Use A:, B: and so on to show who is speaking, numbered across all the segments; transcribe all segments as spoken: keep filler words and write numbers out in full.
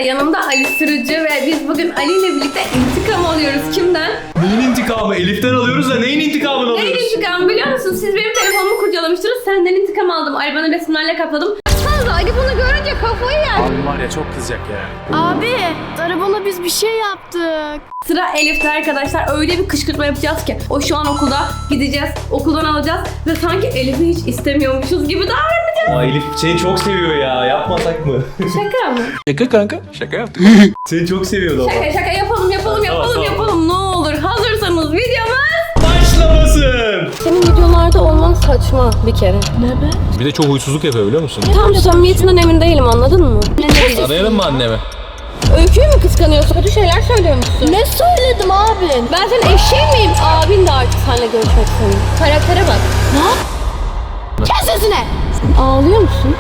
A: yanımda Ali Sürücü ve biz bugün Ali ile birlikte intikam alıyoruz. Kimden?
B: Neyin intikamı? Elif'ten alıyoruz da neyin intikamını alıyoruz?
A: Neyin intikamı biliyor musun? Siz benim telefonumu kurcalamıştınız. Senden intikam aldım. Arabanın resimlerle kapladım. Fazla Ali bunu görünce kafayı yer.
B: Abi var ya çok kızacak ya.
C: Abi, arabana biz bir şey yaptık.
A: Sıra Elif'te arkadaşlar. Öyle bir kışkırtma yapacağız ki. O şu an okulda. Gideceğiz. Okuldan alacağız. Ve sanki Elif'i hiç istemiyormuşuz gibi davranacağız.
B: Ama Elif seni çok seviyor ya. Yapmasak mı?
A: Şaka mı?
B: Şaka kanka. Şaka yaptık. Seni çok seviyordu ama.
A: Şaka şaka yapalım yapalım yapalım
B: Tamam,
A: yapalım. Ne olur. Hazırsanız videomuz
B: Başlamasın.
A: senin videolarda olman saçma bir kere.
C: Ne be?
B: Bir de çok huysuzluk yapıyor biliyor musun?
A: Tam samimiyetinden emin değilim, anladın mı?
B: Arayalım mı annemi?
A: Öyküyü mü kıskanıyorsun? Kötü şeyler söylüyormuşsun.
C: Ne söyledim abi?
A: Ben senin eşeğin miyim? Abin de artık seninle görüşmek istemiyor. Karaktere bak.
C: Ne? Kes sesine!
A: Ağlıyor musun?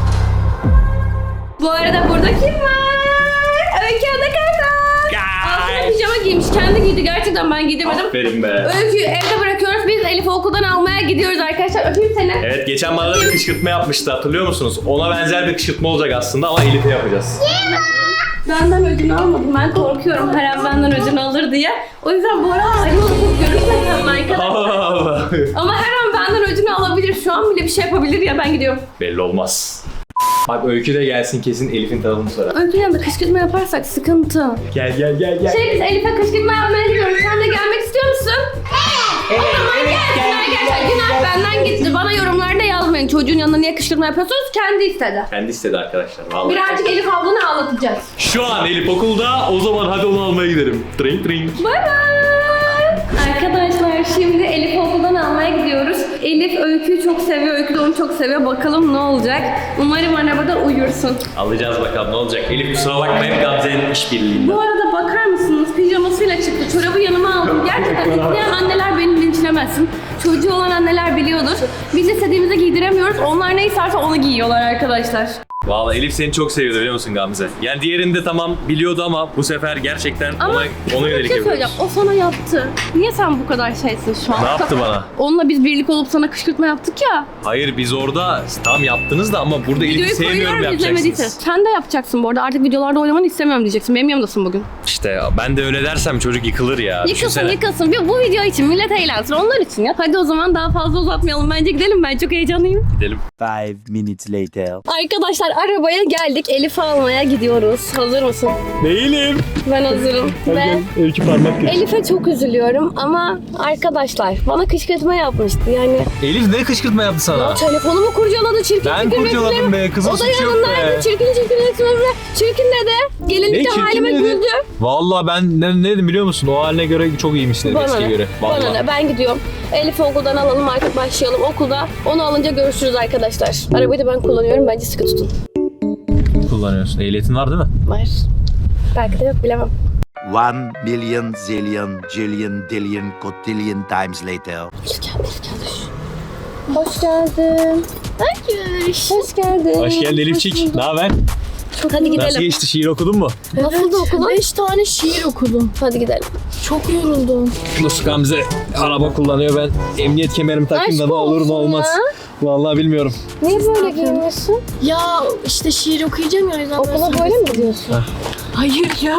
A: Bu arada burada kim var? Öykü Adakar'da. Altına pijama giymiş. Kendi giydi. Gerçekten ben giydirmedim.
B: Aferin be.
A: Öyküyü evde bırakıyoruz. Biz Elif'i okuldan almaya gidiyoruz arkadaşlar. Öpeyim seni.
B: Evet geçen bana da bir kışkırtma yapmıştı hatırlıyor musunuz? Ona benzer bir kışkırtma olacak aslında ama Elif'e yapacağız.
A: Benden ödünü almadım. Ben korkuyorum her an benden ödünü alır diye. O yüzden bu ara ayrılıp görüşmesem arkadaşlar.
B: Allah Allah.
A: Ama her an benden ödünü alabilir. Şu an bile bir şey yapabilir ya, ben gidiyorum.
B: Belli olmaz. Bak Öykü de gelsin kesin Elif'in tarafını sorar.
A: Öykü'yle de kışkırtma yaparsak sıkıntı.
B: Gel gel gel gel.
A: Şey biz Elif'e kışkırtma yapmaya gidiyoruz. Sen de gelmek istiyor musun? Evet. O zaman gelsin arkadaşlar. Günah benden gitti. Bana yorumlarda yazmayın. Çocuğun yanına niye kışkırtma yapıyorsunuz? Kendi istedi.
B: Kendi istedi arkadaşlar vallahi.
A: Birazcık Elif ablanı ağlatacağız.
B: Şu an Elif okulda, o zaman hadi onu almaya gidelim. Drink drink.
A: Bay bay. Arkadaşlar şimdi Elif'i okuldan almaya gidiyoruz. Elif Öykü'yü çok seviyor. Öykü de onu çok seviyor. Bakalım ne olacak. Umarım arabada uyursun.
B: Alacağız bakalım ne olacak. Elif kusura bakmayın Gamze'nin işbirliğinden.
A: Bu arada bakar mısınız? Pijamasıyla çıktı. Çorabı yanıma aldım. Gerçekten izleyen anneler beni linçlemesin. Çocuğu olan anneler biliyordur. Biz istediğimizi giydiremiyoruz. Onlar ne isterse onu giyiyorlar arkadaşlar.
B: Vallahi Elif seni çok seviyordu biliyor musun Gamze? Yani diğerinde tamam biliyordu ama bu sefer gerçekten
A: Ama
B: ona, ona
A: bir
B: yönelik
A: şey söyleyeceğim.
B: yapıyoruz.
A: O sana yaptı. Niye sen bu kadar şeysin şu an?
B: Ne yaptı bana?
A: Onunla biz birlik olup sana kışkırtma yaptık ya.
B: Hayır biz orada tam yaptınız da ama burada Elif'i sevmiyorum
A: izlemediyse.
B: yapacaksınız.
A: Sen de yapacaksın bu arada. Artık videolarda oynamanı istemiyorum diyeceksin. Benim yanımdasın bugün.
B: İşte ben de öyle dersem çocuk yıkılır ya.
A: Yıkılsın
B: Düşünsene.
A: yıkılsın. Bir- Bu video için millet eğlensin. Onlar için ya. Hadi o zaman daha fazla uzatmayalım. Bence gidelim. Ben çok heyecanlıyım.
B: Gidelim.
D: Five minutes later.
A: Arkadaşlar arabaya geldik. Elif'i almaya gidiyoruz. Hazır mısın?
B: Değilim.
A: Ben hazırım. Ve
B: Öykü parmak göster.
A: Elif'e çok üzülüyorum ama arkadaşlar bana kışkırtma yapmıştı. Yani
B: Elif ne kışkırtma yaptı sana?
A: telefonumu kurcaladı. Çirkin
B: Ben
A: çirkin
B: kurcaladım
A: resimlerim.
B: be, kızın
A: O da
B: suçu yok
A: yanındaydı.
B: be.
A: Çirkin çirkin resimlerimle. Çirkin dedi. Gelinlikte
B: çirkin
A: halime
B: dedi?
A: güldü.
B: Vallahi ben ne, ne dedim biliyor musun? O haline göre çok iyiymişsin
A: Bana
B: eskiye
A: ne?
B: göre.
A: Bana
B: Vallahi.
A: ne? Ben gidiyorum. Elif'i okuldan alalım artık başlayalım. Okulda onu alınca görüşürüz arkadaşlar. Arabayı da ben kullanıyorum. Bence sıkı tutun.
B: Kullanıyorsun. Ehliyetin var değil mi?
A: Var. Belki de yok, bilemem.
D: One million zillion jillion dillion cotillion times later.
A: Elif geldi, Elif geldi. Hoş geldin.
C: Hayır.
A: Hoş geldin.
B: Hoş geldin Elifçik. Ne haber?
A: Hadi gidelim.
B: Nasıl geçti? Şiir okudun mu?
A: Nasıldı okulun?
C: Beş tane şiir okudum.
A: Hadi gidelim.
C: Çok yoruldum.
B: Nasıl Gamze araba kullanıyor ben emniyet kemerimi takayım da
A: Aşk
B: ne olur ne
A: olsun
B: olmaz.
A: ya.
B: Vallahi bilmiyorum.
A: Niye böyle giyiniyorsun?
C: Ya işte şiir okuyacağım ya o yüzden
A: Okula böyle mi gidiyorsun?
C: Hayır ya.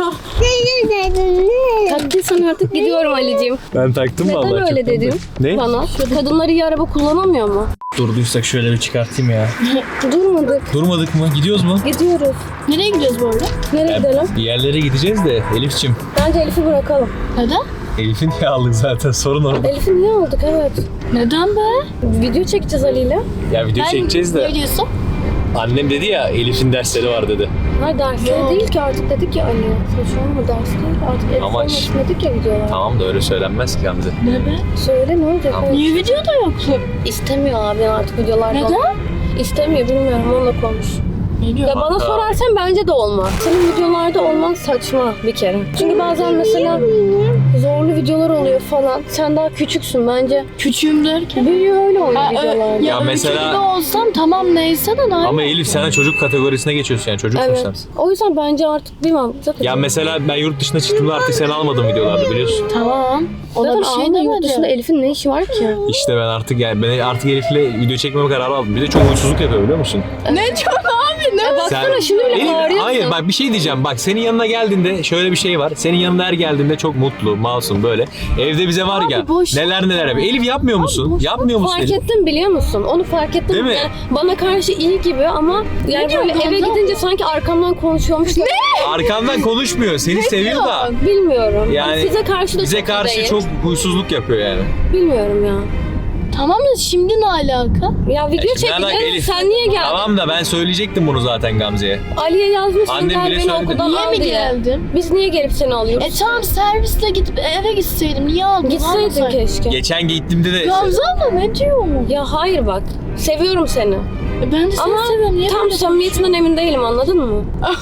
A: Taktıysan artık gidiyorum Ali'ciğim.
B: Ben taktım vallahi.
A: Neden öyle
B: çok
A: dedin
B: Ne?
A: bana? Kadınlar iyi araba kullanamıyor mu?
B: Durduysak şöyle bir çıkartayım ya.
A: Durmadık.
B: Durmadık mı? Gidiyoruz mu?
A: Gidiyoruz.
C: Nereye gidiyoruz bu arada?
A: Nereye gidelim?
B: Bir yerlere gideceğiz de Elif'çim.
A: Bence Elif'i bırakalım.
C: Neden?
B: Elif'i niye aldık zaten sorun orada.
A: Elif'i niye aldık? Evet.
C: Neden be?
A: Video çekeceğiz Ali
B: Ya video çekeceğiz de
C: Ne diyorsun?
B: annem dedi ya Elif'in dersleri var dedi.
A: Hayır dersleri
C: Yok.
A: değil ki artık dedik ya Ali. Saçmalama ders değil. Artık Elif'e
B: Ama ş-
A: başladık ya videolar.
B: Tamam da öyle söylenmez ki Gamze.
C: Ne be?
A: Söyle ne olacak?
B: Tamam.
A: Evet.
C: Niye videoda yoktu?
A: İstemiyor abi artık videolarda.
C: Neden?
A: İstemiyor, bilmiyorum, onunla konuş.
C: Ne diyor?
A: Ya bana
B: Kanka.
A: sorarsan bence de olmaz. Senin videolarda olman saçma bir kere. Çünkü bazen mesela zorlu videolar oluyor falan. Sen daha küçüksün bence.
C: Küçüğüm derken.
A: Büyüyor öyle oyun
C: Ha, ö-
A: videolarda.
C: ya,
B: Ya mesela-
C: mesela... olsam tamam neyse de daha
B: Ama Elif sen de çocuk kategorisine geçiyorsun yani çocuksun sen.
A: Evet. O yüzden bence artık bilmem. Zaten,
B: Ya mesela ben yurt dışına çıktığımda artık seni almadım videolarda biliyorsun.
C: Tamam. O da
A: zaten
C: bir şey
A: Almanya yurt
C: demedi.
A: dışında Elif'in ne işi var ki?
B: İşte ben artık yani ben artık Elif'le video çekmeme kararı aldım. Bir de çok huysuzluk yapıyor biliyor musun?
C: Ne çok abi ne
A: E Baksana şimdi bile
E: Elif,
A: bağırıyorsun.
E: hayır bak bir şey diyeceğim. Bak senin yanına geldiğinde şöyle bir şey var. Senin yanına her geldiğinde çok mutlu, masum böyle. Evde bize var ya
C: boş
E: neler neler yapıyor. Elif yapmıyor musun?
C: boş
E: Yapmıyor musun
A: Fark
E: Elif?
A: ettim biliyor musun? Onu fark ettim.
E: Değil mi?
A: Yani bana karşı iyi gibi ama yani
C: diyor
A: böyle eve
C: Gamze
A: gidince sanki arkamdan konuşuyormuş. Ne?
E: Arkandan konuşmuyor. Seni seviyor da.
A: Bilmiyorum.
E: Yani
A: size karşı da
E: Bize
A: çok
E: karşı
A: değil.
E: çok huysuzluk yapıyor yani.
A: Bilmiyorum ya.
C: Tamam da şimdi ne alaka?
A: Ya video
E: şimdi alaka
A: çekeceğiz.
E: Elif.
A: Sen niye geldin?
E: Tamam da ben söyleyecektim bunu zaten Gamze'ye.
A: Ali'ye yazmışsın
E: Annem
A: gel
E: bile
A: beni
E: söyledi.
A: okuldan
C: Niye
A: al
C: mi
A: diye.
C: geldin?
A: Biz niye gelip seni alıyoruz?
C: E tamam servisle gidip eve gitseydim. Niye aldın?
A: Gitseydin
C: Almasaydın.
A: keşke.
E: Geçen gittiğimde de
C: Gamze abla ne diyor mu?
A: Ya hayır bak. Seviyorum seni.
C: E ben de seni
A: Ama
C: seviyorum. Niye
A: tam
C: böyle-
A: samimiyetinden emin değilim anladın mı?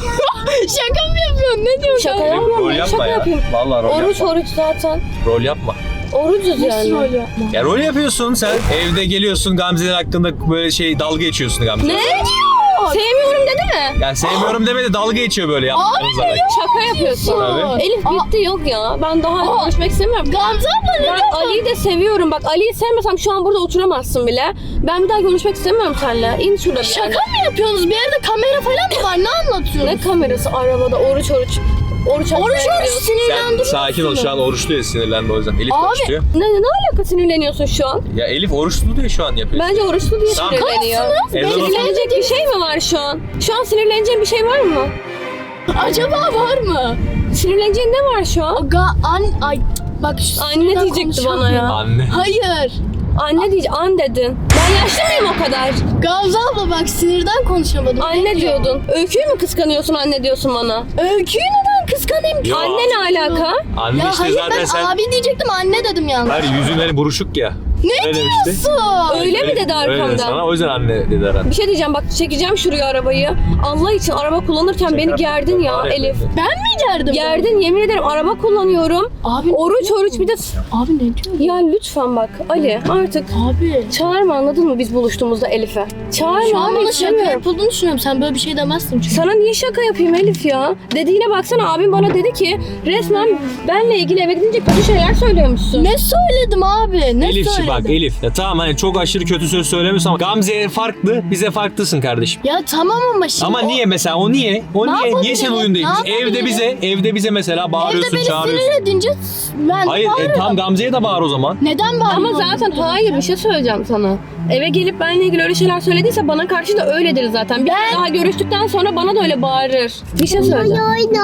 C: Şaka mı yapıyorsun? Ne diyorsun?
A: Şaka
C: Gamze?
A: yapmam
E: rol
A: ben.
E: yapma
A: Şaka
E: ya.
A: yapayım.
E: Vallahi rol
A: Oruç
E: yapma.
A: oruç zaten.
E: Rol yapma.
A: Orucuz
C: Nasıl
A: yani.
C: rol yapma?
E: Ya rol yapıyorsun sen. Evde geliyorsun Gamze'ler hakkında böyle şey dalga geçiyorsun Gamze.
A: Ne? Sevmiyorum dedi mi?
E: Ya sevmiyorum demedi dalga geçiyor böyle yaptığınız zaman.
A: Şaka yapıyorsun.
E: Tabii.
A: Elif bitti yok ya. Ben daha görüşmek istemiyorum.
C: Gamze abla ne
A: Ben
C: diyor?
A: Ali'yi de seviyorum. Bak Ali'yi sevmesem şu an burada oturamazsın bile. Ben bir daha görüşmek istemiyorum seninle. İn şurada bir
C: Şaka
A: yerden.
C: mı yapıyorsunuz? Bir yerde kamera falan mı var? Ne anlatıyorsunuz?
A: Ne kamerası arabada oruç oruç. Oruç
C: Oruç
A: açmaya
C: oruç
A: gidiyorsun.
E: Sen
C: sinirlendim.
E: sakin ol şu an oruçlu ya sinirlendi o yüzden. Elif
C: Abi,
E: oruçluyor.
A: Ne, ne alaka sinirleniyorsun şu an?
E: Ya Elif oruçlu diye şu an yapıyor.
A: Bence oruçlu diye
E: Tamam.
A: sinirleniyor.
E: Ezan oku-
A: Sinirlenecek bir şey mi var şu an? Şu an sinirleneceğin bir şey var mı?
C: Acaba var mı?
A: Sinirleneceğin ne var şu an?
C: Ga an ay bak şu
A: Anne
C: sinirden
A: diyecekti bana
C: konuşamıyorum.
A: ya.
E: Anne.
C: Hayır.
A: Anne diyece an dedin. Ben yaşlı mıyım o kadar?
C: Gamze abla bak sinirden konuşamadım.
A: Anne
C: Ne diyor?
A: diyordun. Öyküyü mü kıskanıyorsun anne diyorsun bana?
C: Öyküyü neden kıskanayım ki?
E: Yo.
A: Anne ne alaka?
E: Anne
C: Ya
E: işte
C: hayır
E: zaten
C: ben
E: sen...
C: abi diyecektim anne dedim yalnız.
E: Hayır yüzün hani buruşuk ya.
C: Ne
E: Öyle
C: diyorsun?
E: demişti.
A: Öyle mi dedi
E: Öyle dedi
A: arkamdan?
E: sana o yüzden anne dedi herhalde.
A: Bir şey diyeceğim bak çekeceğim şuraya arabayı. Allah için araba kullanırken beni gerdin ya
E: Var
A: Elif.
E: böyle.
C: Ben mi gerdim?
A: Gerdin yemin ederim araba kullanıyorum.
C: Abi
A: Oruç oruç bir de...
C: Abi ne diyor?
A: Ya lütfen bak Ali artık
C: Abi.
A: çağırma anladın mı biz buluştuğumuzda Elif'e? Çağırma
C: Şu an
A: abi
C: bana şaka
A: istemiyorum.
C: yapıldığını düşünüyorum. Sen böyle bir şey demezsin çünkü.
A: Sana niye şaka yapayım Elif ya? Dediğine baksana abim bana dedi ki resmen benle ilgili eve gidince kötü şeyler söylüyormuşsun.
C: Ne söyledim abi? Ne
E: Elif
C: söyledim?
E: bak Elif. Ya tamam hani çok aşırı kötü söz söylemiyorsun ama Gamze'ye farklı, bize farklısın kardeşim.
C: Ya tamam ama şimdi
E: Ama
C: o-
E: niye mesela o niye? O
C: Ne
E: niye? Niye
C: yapabilirim?
E: senin oyun değil?
C: Ne
E: Evde
C: yapabilirim?
E: bize, evde bize mesela
C: Evde
E: bağırıyorsun,
C: beni
E: çağırıyorsun.
C: sinir edince ben
E: Hayır, e,
C: bağırırım.
E: tam Gamze'ye de bağır o zaman.
C: Neden bağırıyorsun?
A: Ama zaten hayır bir şey söyleyeceğim sana. Eve gelip benle ilgili öyle şeyler söylediyse bana karşı da öyledir zaten. Bir
C: Ben-
A: daha görüştükten sonra bana da öyle bağırır. Bir şey söyleyeceğim.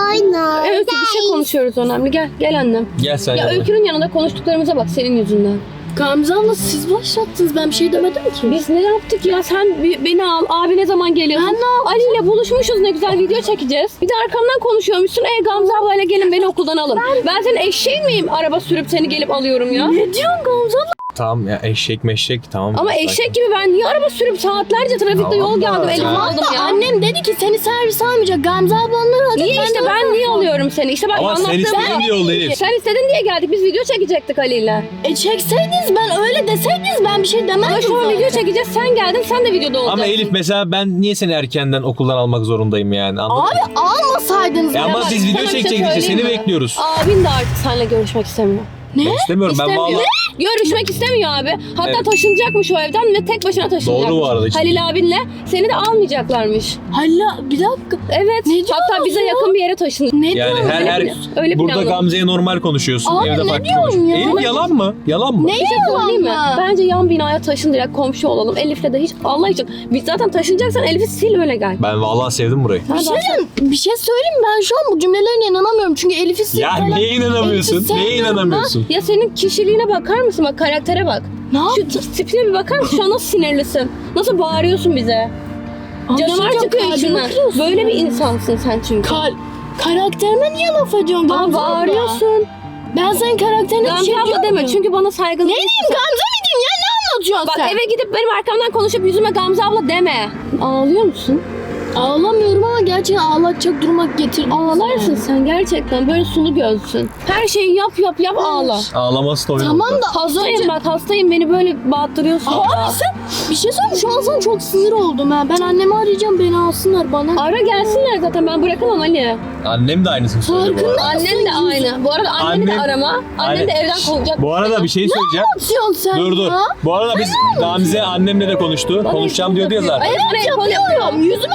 A: Evet Öykü bir şey konuşuyoruz önemli. Gel gel annem.
E: Gel sen
A: Ya
E: yanıma.
A: Öykü'nün yanında konuştuklarımıza bak senin yüzünden.
C: Gamze abla siz başlattınız. Ben bir şey demedim ki.
A: Biz ne yaptık ya? Sen bi- beni al. Abi ne zaman geliyorsun?
C: Ben ne yaptım?
A: Ali ile buluşmuşuz ne güzel video çekeceğiz. Bir de arkamdan konuşuyormuşsun. E Gamze ablayla gelin beni okuldan alın. Ben, senin eşeğin miyim? Araba sürüp seni gelip alıyorum ya.
C: Ne diyorsun Gamze abla?
E: Tamam ya eşek meşek tamam.
A: Ama
E: Sakin.
A: eşek gibi ben niye araba sürüp saatlerce trafikte
E: Tamam
A: yol
E: da-
A: geldim elime
E: Tamam
A: aldım ya.
C: Annem dedi ki seni servis almayacak. Gamze ablanlar alacak.
A: Niye işte
C: de
A: ben
C: onu
A: niye
C: aldım.
A: alıyorum seni? İşte bak
E: Ama sen
A: anlattığım
E: istediğin
A: bu.
E: diye oldu Elif.
A: Sen istedin diye geldik. Biz video çekecektik Ali ile.
C: E çekseydiniz ben öyle deseydiniz ben bir şey demezdim.
A: Ama şu an
C: zaten.
A: video çekeceğiz. Sen geldin. Sen de videoda olacaksın.
E: Ama Elif mesela ben niye seni erkenden okuldan almak zorundayım yani anladın mı?
C: Abi almasaydınız.
E: E ama
A: bak,
E: biz video
A: sana bir şey
E: çekecektik işte seni
A: söyleyeyim mi?
E: bekliyoruz.
A: Abin de artık seninle görüşmek istemiyor.
C: Ne?
E: Ben istemiyorum ben
A: İstemiyor.
E: vallahi.
A: Görüşmek istemiyor abi. Hatta
E: Evet.
A: taşınacakmış o evden ve tek başına taşınacakmış.
E: Doğru bu arada işte.
A: Halil abinle seni de almayacaklarmış.
C: Hala bir dakika.
A: Evet.
C: Ne diyorsun
A: Hatta bize
C: ya?
A: yakın bir yere taşınacak.
C: Ne
E: Yani
C: diyorsun?
E: her
A: Öyle
E: her
A: plan- öyle
E: burada
A: planladım.
E: Gamze'ye normal konuşuyorsun.
C: Abi
E: evde
C: ne
E: farklı
C: diyorsun
E: konuşuyorsun.
C: ya?
E: Elif yalan mı? Yalan mı?
C: Ne
A: Bir şey söyleyeyim mi?
C: yalan?
A: Bence yan binaya taşın direkt komşu olalım. Elif'le de hiç Allah için. Biz zaten taşınacaksan Elif'i sil öyle gel.
E: Ben vallahi sevdim burayı.
C: Bir şey, diyeyim, bir şey söyleyeyim mi? Ben şu an bu cümlelerine inanamıyorum. Çünkü Elif'i
E: Ya
C: sevdiler.
E: neye inanamıyorsun?
C: Elif'i
E: Neye
C: sevmiyorum
E: inanamıyorsun?
A: Ya senin kişiliğine bakar mısın? Bak karaktere bak.
C: Ne
A: Şu
C: yaptın?
A: t- tipine bir bakar mısın? Şu an nasıl sinirlisin? Nasıl bağırıyorsun bize?
C: Abi
A: Canavar
C: şey
A: çıkıyor
C: kalbimi
A: içinden.
C: kırıyorsun
A: Böyle
C: ya.
A: bir insansın sen çünkü.
C: Kal karakterime niye laf ediyorsun
A: Aa,
C: Gamze abla?
A: bağırıyorsun.
C: Ben senin karakterine bir
A: Gamze
C: şey
A: abla
C: diyor
A: deme
C: muyum?
A: çünkü bana saygılı
C: Ne
A: değilsin
C: diyeyim
A: sen.
C: Gamze mi diyeyim ya? Ne anlatıyorsun
A: Bak
C: sen?
A: eve gidip benim arkamdan konuşup yüzüme Gamze abla deme. Ağlıyor musun?
C: Ağlamıyorum ama gerçekten ağlatacak duruma getirdim.
A: Ağlarsın sen gerçekten. Böyle sulu gözsün. Her şeyi yap yap yap ağla.
E: Ağlaması da oyun
C: Tamam
E: oldu.
C: da az
A: Hastayım
C: önce...
A: bak hastayım beni böyle bağırttırıyorsun.
C: Abi sen bir şey söyleyeyim şu an sana çok sinir oldum ha. Ben annemi arayacağım beni alsınlar bana.
A: Ara gelsinler zaten ben bırakamam Ali.
E: Annem de aynısını söylüyor bu arada.
A: Annen de aynı. Bu arada anneni de
E: Annem-
A: arama. Annen de
E: Anne-
A: evden kovacak.
E: Bu arada bir şey söyleyeceğim.
C: Atıyorsun sen
E: Dur dur.
C: ya.
E: Bu arada biz Gamze annemle de konuştu. Konuşacağım diyordu ya zaten.
A: Hayır bana el kol yapıyor.
C: Yapıyorum. Yüzüme laf ediyorsun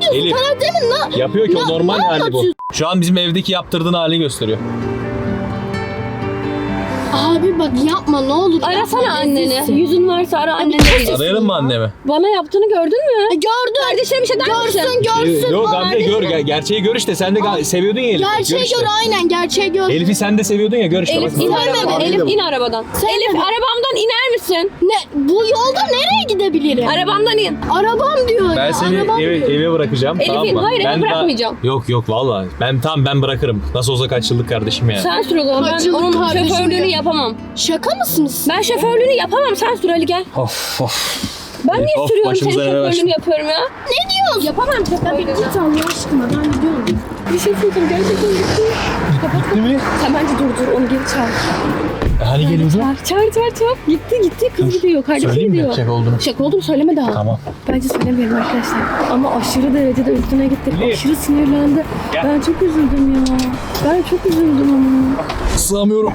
C: diyorsun?
E: Elif.
C: Karakterimin ne?
E: Yapıyor ki o
C: Ne-
E: normal
C: ne
E: hali bu.
C: anlatıyorsun?
E: Şu an bizim evdeki yaptırdığın hali gösteriyor.
C: Abi bak yapma ne olur.
A: Arasana
C: yapma,
A: anneni.
C: rezilsin.
A: Yüzün varsa ara anneni.
E: Arayalım mı annemi?
A: Bana yaptığını gördün mü?
C: E, Gördün.
A: Kardeşine bir şey der misin?
C: Görsün görsün.
E: Ee, Yok
C: bana
E: Gamze gör,
C: ne?
E: ger- gerçeği gör işte. Sen de ga- seviyordun ya Elif'i.
C: Gerçeği
E: işte.
C: gör aynen gerçeği gör.
E: Elif'i sen de seviyordun ya, gör işte.
A: Elif
E: bak.
A: in
C: Sevmedim.
A: arabadan. Elif in arabadan.
C: Sevmedim.
A: Elif arabamdan iner misin?
C: Ne? Bu yolda nereye gidebilirim?
A: Arabamdan in.
C: Arabam diyor
E: Ben
C: ya.
E: seni
C: arabam
E: eve,
C: diyor.
E: eve bırakacağım,
A: Elif
E: tamam
A: in.
E: mı?
A: Hayır, eve
E: Ben daha-
A: bırakmayacağım.
E: Yok yok vallahi. Ben tamam ben bırakırım. Nasıl olsa kaç yıllık kardeşim yani.
A: Sen sür o zaman. Ben
C: Kaç yıllık
A: onun
C: kardeşim
A: şoförlüğünü
C: ya.
A: yapamam.
C: Şaka mısınız?
A: Ben şoförlüğünü yapamam. Sen sür Ali gel.
E: Of of.
A: Ben niye
E: Of,
A: sürüyorum senin
E: başımıza neler açtın.
A: şoförlüğünü yapıyorum ya?
C: Ne diyorsun?
A: Yapamam
C: Ya bir
A: şoförlüğünü.
C: git Allah aşkına ben gidiyorum.
A: Bir şey söyleyeceğim. Gerçekten gitti.
E: Gitti mi?
A: Sen bence dur dur. Onu geri çağır.
E: Hani geliyordu?
A: Çağır çağır çağır çağır. Gitti gitti. Kız gidiyor. Kardeşi
E: Söyleyeyim mi
A: gidiyor.
E: şaka olduğunu?
A: Şaka olduğunu söyleme daha.
E: Tamam.
A: Bence söylemeyelim arkadaşlar. Ama aşırı derecede üstüne gittik.
E: Elif.
A: Aşırı sinirlendi.
E: Gel.
A: Ben çok üzüldüm ya. Ben çok üzüldüm ama.
E: Sığamıyorum.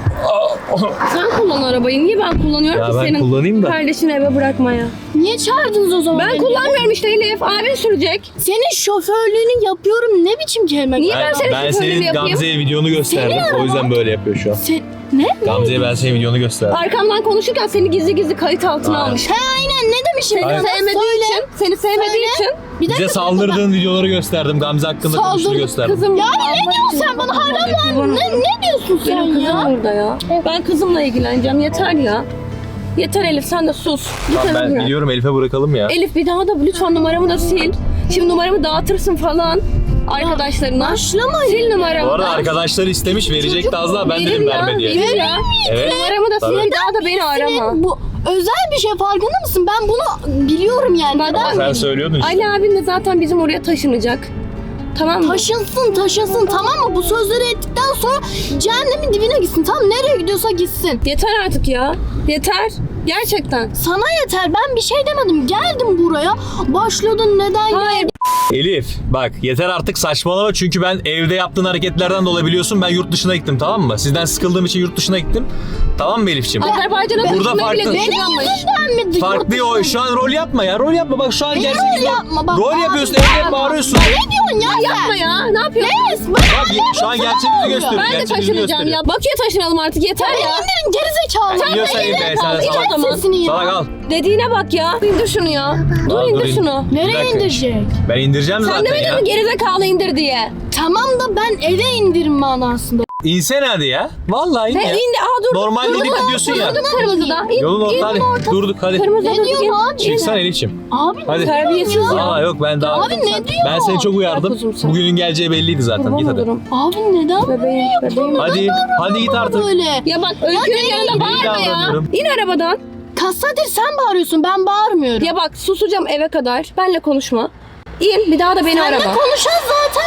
A: Sen kullan arabayı. Niye ben kullanıyorum
E: Ya
A: ki
E: ben
A: senin
E: kullanayım da.
A: kardeşini eve bırakmaya?
C: Niye çağırdınız o zaman?
A: Ben
C: beni?
A: kullanmıyorum işte Elif. Abin sürecek.
C: Senin şoförlüğünü yapıyorum ne biçim kelime?
A: Niye ben senin
E: Ben
A: şoförlüğünü
E: senin
A: yapayım?
E: Gamze'ye videonu gösterdim.
C: Senin
E: O yüzden böyle yapıyor şu an.
C: Sen... Ne?
E: Gamze'ye ben senin videonu gösterdim.
A: Arkamdan konuşurken seni gizli gizli kayıt altına
E: Aynen.
A: almış.
C: He aynen ne demişim?
A: Seni
E: Aynen.
A: sevmediği
C: Söyle.
A: için, seni sevmediği
C: Söyle.
A: için.
C: Bir dakika,
E: Bize saldırdığın videoları gösterdim. Gamze hakkında konuştuğunu
C: Saldır-
E: gösterdim.
A: Kızım.
C: Yani ne diyorsun sen bana hala var? Ne, ne diyorsun sen
A: Benim kızım
C: ya?
A: burada ya. Ben kızımla ilgileneceğim. Yeter ya. Yeter Elif sen de sus. Git
E: Tamam,
A: eve
E: ben
A: bırak.
E: biliyorum Elif'e bırakalım ya.
A: Elif bir daha da lütfen numaramı da sil. Şimdi numaramı dağıtırsın falan arkadaşlarına.
C: Başlama
A: Sil numaramı.
E: Bu arada
A: da.
E: arkadaşlar istemiş, verecekti az daha, ben
A: Verir
E: dedim
A: ya,
E: verme diye.
A: verir ya.
E: Evet.
A: Numaramı da sil
E: Tabii.
A: bir daha da beni arama.
C: Senin bu özel bir şey farkında mısın? Ben bunu biliyorum yani.
A: Bak-
C: Neden?
E: Sen söylüyordun işte.
A: Ali abin de zaten bizim oraya taşınacak. Tamam mı?
C: Taşınsın taşınsın tamam mı? Bu sözleri ettikten sonra cehennemin dibine gitsin. Tamam nereye gidiyorsa gitsin.
A: Yeter artık ya. Yeter. Gerçekten.
C: Sana yeter ben bir şey demedim. Geldim buraya. Başladın neden
A: Hayır.
E: Elif bak yeter artık saçmalama, çünkü ben evde yaptığın hareketlerden dolayı biliyorsun ben yurt dışına gittim, tamam mı? Sizden sıkıldığım için yurt dışına gittim. Tamam mı Elif'ciğim?
A: Azerbaycan'a
E: Burada
A: taşınmayı bile
E: farklı-
A: düşünüyormuş.
C: Benim yüzümden mi?
E: Farklı o, şu an rol yapma ya, rol yapma bak şu an
C: Ne
E: gerçek
C: rol
E: yüzünden-
C: yapma bak,
E: Rol
C: abi,
E: yapıyorsun,
C: ya
E: evde
C: bak.
E: bağırıyorsun.
C: Ne diyorsun ya sen?
A: Yapma ya. Ne yapıyorsun?
C: Yes, ben
E: Bak şu an gerçek yüzü gösteriyor.
A: Ben de
E: gerçek yüzünü
A: taşınacağım
E: gösteriyor.
A: ya. Bakü'ye taşınalım artık yeter ya.
C: İndirin gerizekalı.
E: Biliyorsan Elif be, sen de
A: İn o
E: salak.
A: zaman.
C: Sesini ya.
E: Salak al.
A: Dediğine bak ya. İndir şunu ya. Dur
E: Al, dur,
A: indir
E: in.
A: şunu.
E: Bir
C: Nereye
E: dakika.
C: indirecek?
E: Ben indireceğim
A: Sen
E: zaten
A: demedin
E: ya.
A: mi gerizekalı indir diye?
C: Tamam da ben eve indirim manasında.
E: İnsene hadi ya. Vallahi in
A: Ne
E: ya.
A: indi? Aa dur.
E: Normal
A: Durduk,
E: dedik gidiyorsun ya.
A: Durduk kırmızıda. İn,
E: Yolun
A: in,
E: orta hadi. Durduk hadi.
A: Kırmızıda
C: Ne
A: durduk.
C: diyorsun
A: in.
C: abi?
E: Çıksana Elif'ciğim.
C: Abi
E: Hadi.
C: ne
A: Terbiyesiz
C: diyorsun
A: ya.
E: Aa yok ben daha...
C: Abi ne diyor?
E: Ben seni çok uyardım.
A: kuzum sen.
E: Bugünün geleceği belliydi zaten.
A: Kurban
E: Git hadi.
A: olurum.
C: Abi neden
A: Bebeğim, bebeğim.
E: Hadi. Hadi git artık.
C: böyle?
A: Ya bak Öykü'nün yanında bağırma ya.
E: davranıyorum.
A: İn arabadan.
C: Kaç saattir sen bağırıyorsun ben bağırmıyorum.
A: Ya bak susacağım eve kadar. Benle konuşma. İn bir daha da beni
C: Seninle
A: arama.
C: konuşan zaten.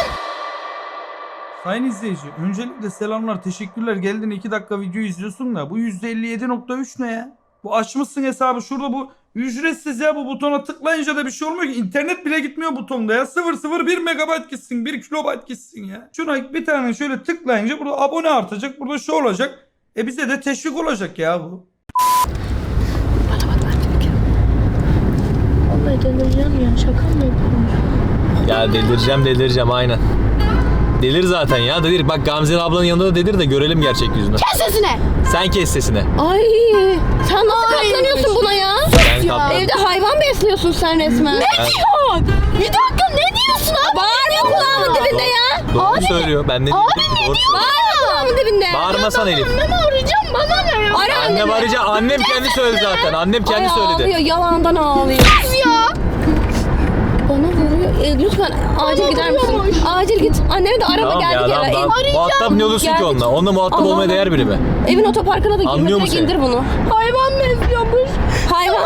F: Sayın izleyici, öncelikle selamlar, teşekkürler. Geldin iki dakika video izliyorsun da bu yüzde elli yedi nokta üç ne ya? Bu açmışsın hesabı şurada, bu ücretsiz ya, bu butona tıklayınca da bir şey olmuyor ki. İnternet bile gitmiyor butonda ya. sıfır nokta sıfır bir megabayt gitsin, bir kilobayt gitsin ya. Şuna bir tane şöyle tıklayınca burada abone artacak, burada şu olacak. E bize de teşvik olacak ya bu.
C: Vallahi delireceğim ya şaka mı yapıyorsun?
E: Ya delireceğim delireceğim aynen. Delir zaten ya, delir. Bak Gamze ablanın yanında da delir de görelim gerçek yüzünü.
C: Kes sesine.
E: Sen kes sesini.
A: Ay sen nasıl
C: Ay.
A: katlanıyorsun buna ya?
E: Sen
C: ya.
E: katlan.
A: Evde hayvan besliyorsun sen resmen.
C: Ne diyorsun? Bir dakika ne diyorsun abi?
A: Bağırma kulağımın dibinde ya.
E: Doğru söylüyor. Ben ne
C: Abi
E: diyeyim?
C: ne
E: Doğru
C: diyor?
A: Bağırma kulağımın dibinde.
E: Bağırmasan Elif.
C: Annemi arayacağım bana ne ya?
A: Ara
E: Annem
A: anneni.
E: arayacak. Annem kendi söyledi zaten. Annem kendi
A: Ay,
E: söyledi.
A: ağlıyor yalandan ağlıyor.
C: ya.
A: Bana vuruyor. E, lütfen acil gider misin?
C: vuruyormuş.
A: Acil git. Annemi de araba
E: Tamam ya
A: geldik
E: tamam,
A: eve.
E: tamam.
A: Ev-
E: Muhatap ne olursun ki
A: Geldik.
E: onunla? Onunla muhatap
A: Allah
E: olmaya
A: Allah.
E: değer biri mi?
A: Evin otoparkına da girme.
E: Anlıyor
A: Direkt
E: musun?
A: indir bunu.
C: Hayvan besliyormuş.
A: Hayvan.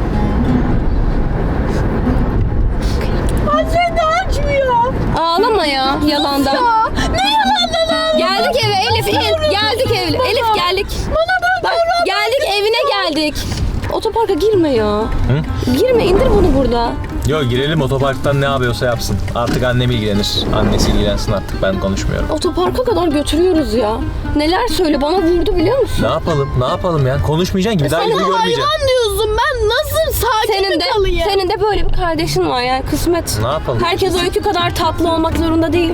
C: Hasret açmıyor.
A: Ağlama ya yalandan.
C: Ya ne yalandan ağlıyor?
A: Geldik eve Elif in. Geldik eve. Elif geldik.
C: Bana bak.
A: Bak geldik evine geldik. Otoparka girme ya. Girme indir bunu burada.
E: Yok girelim otoparktan ne yapıyorsa yapsın. Artık annem ilgilenir. Annesi ilgilensin artık ben konuşmuyorum.
A: Otoparka kadar götürüyoruz ya. Neler söyle bana vurdu biliyor musun?
E: Ne yapalım? Ne yapalım ya? Konuşmayacaksın ki bir daha
A: sen
E: yüzünü görmeyeceksin.
C: Hayvan diyorsun, ben nasıl sakin
A: Senin de,
C: kalayım?
A: senin de böyle bir kardeşin var yani kısmet.
E: Ne yapalım?
A: Herkes öykü kadar tatlı olmak zorunda değil.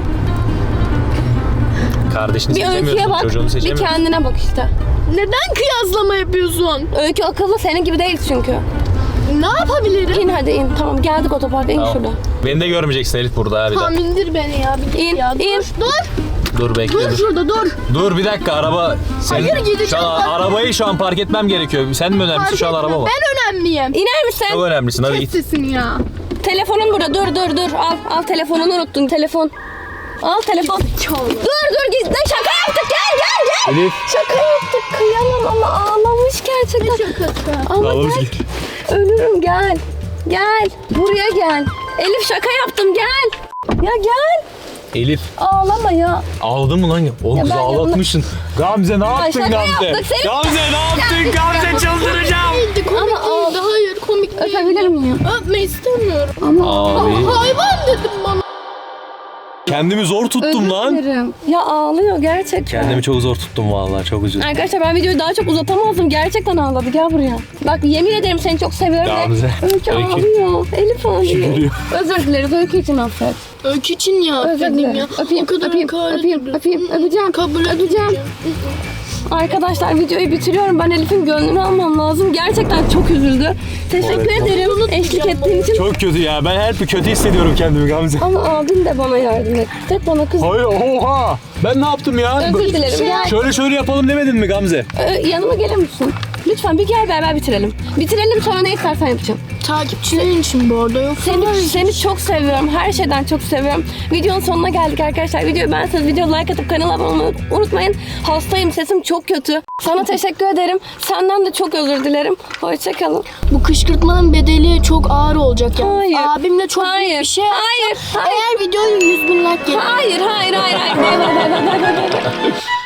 E: Kardeşini
A: Bir öyküye
E: seçemiyorsun,
A: bak,
E: çocuğunu
A: bir
E: seçemiyorsun.
A: kendine bak işte.
C: Neden kıyaslama yapıyorsun?
A: Öykü akıllı senin gibi değil çünkü.
C: Ne yapabilirim?
A: İn hadi in. Tamam geldik otoparka in
E: Tamam.
A: şurada.
E: Beni de görmeyeceksin Elif burada ha bir
C: Tamam
E: dakika.
C: indir beni ya. Bir
A: İn,
C: ya.
A: in.
C: Dur, dur.
E: Dur bekle
C: Dur
E: dur.
C: şurada dur.
E: Dur bir dakika araba. Senin,
C: Hayır, gideceğim
E: şu an
C: bak.
E: arabayı şu an park etmem gerekiyor. Sen mi önemlisin
C: Fark
E: şu an
C: etme,
E: araba mı?
C: ben önemliyim.
A: İner misin?
E: Çok önemlisin hadi
C: Kes
E: git.
C: sesini ya.
A: Telefonun burada. Dur dur dur. Al al telefonunu unuttun. Telefon. Al telefon. Dur dur git. Ne şaka yaptık. Gel gel gel.
E: Elif.
A: Şaka yaptık. Kıyamam ama ağlamış gerçekten.
C: Şakası.
A: Ama
E: Ağlamış
A: gel.
E: ki.
A: Ölürüm gel. Gel. Buraya gel. Elif şaka yaptım gel. Ya gel.
E: Elif.
A: Ağlama ya.
E: Ağladın mı lan? Oğlum
A: Ya
E: kızı
A: ben
E: ağlatmışsın. Gamze ne yaptın
A: şaka
E: Gamze?
A: yaptık, seni-
E: Gamze ne yaptın Gamze çıldıracağım.
C: Değildi, komik değildi. Hayır komik değildi.
A: Öpebilir miyim?
C: Öpme istemiyorum.
E: Abi.
C: Hayvan dedim bana.
E: Kendimi zor tuttum lan.
A: Öperim. Ya ağlıyor gerçekten.
E: Kendimi çok zor tuttum vallahi çok üzüldüm.
A: Arkadaşlar ben videoyu daha çok uzatamazdım. Gerçekten ağladı. Gel buraya. Bak yemin ederim seni çok seviyorum. ve
E: Gamze,
A: Öykü
E: Öykü.
A: ağlıyor. Elif ağlıyor.
E: Gülüyor.
A: Özür dileriz. Öykü için affet.
C: Öykü için ya
A: Özür
C: affedeyim
A: dilerim.
C: ya.
A: Öpeyim,
C: O kadar
A: öpeyim,
C: hakaret
A: öpeyim,
C: ediyor.
A: öpeyim, öpeceğim.
C: Kabul
A: öpeceğim.
C: etmeyeceğim.
A: Arkadaşlar videoyu bitiriyorum. Ben Elif'in gönlünü almam lazım. Gerçekten çok üzüldü. Teşekkür ederim eşlik ettiğin için.
E: Çok kötü ya. Ben her bir kötü hissediyorum kendimi Gamze.
A: Ama abin de bana yardım etti. Tek bana kız.
E: Hayır oha. Ben ne yaptım ya?
A: Özür dilerim. Gel.
E: Şöyle şöyle yapalım demedin mi Gamze?
A: Ee, yanıma gelir misin? Lütfen bir gel beraber bitirelim. Bitirelim sonra ne istersen yapacağım.
C: Takipçilerin için bu arada yok.
A: Seni, seni çok seviyorum. Her şeyden çok seviyorum. Videonun sonuna geldik arkadaşlar. Videoyu beğenseniz video like atıp kanala abone olmayı unutmayın. Hastayım, sesim çok kötü. Sana teşekkür ederim. Senden de çok özür dilerim. Hoşçakalın.
C: Bu kışkırtmanın bedeli çok ağır olacak yani.
A: Hayır.
C: Abimle çok büyük
A: Hayır.
C: bir şey
A: Hayır.
C: yapacağım.
A: Hayır.
C: Eğer videoyu yüz bin like gelir.
A: Hayır, hayır, hayır, hayır. Bay bay bay bay bay bay.